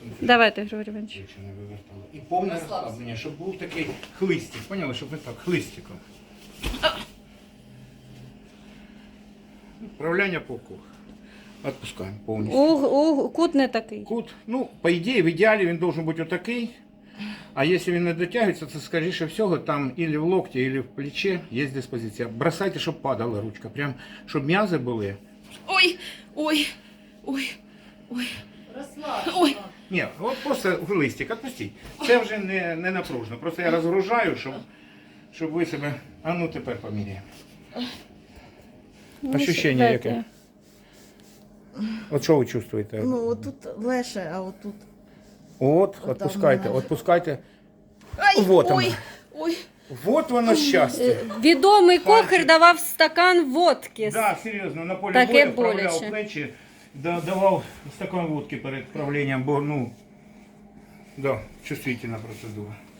Давайте, Григорій Іванович. Якщо не вивертало. І повне розслаблення, щоб був такий хлистик. Поняли, щоб не так, хлистиком. Вправляння по кругу. Отпускаємо повністю. Кут не такий. Кут, ну, по ідеї, в ідеалі він должен бути отакий. А якщо він не дотягується, то, скоріше всього, там или в локті, или в плечі є диспозиція. Бросайте, щоб падала ручка. Прям, щоб м'язи були. Ой, ой, ой, ой. Розслабся. Ой. Ні, от просто листик, відпустіть. Це вже не напружно. Просто я розгружаю, щоб ви себе... А ну тепер поміряємо. Ощущення яке? От що ви чувствуєте? Ну, отут легше, а отут. От, Отам відпускайте, немає. відпускайте. Ай, Вот ой, оно. ой. Вот воно щастя. Відомий Пальчик. кохар давав стакан водки. Да, серйозно, на полі Таке бою вправляв боляче. плечі, давав стакан водки перед вправленням, бо, ну, да, чувствительна процедура.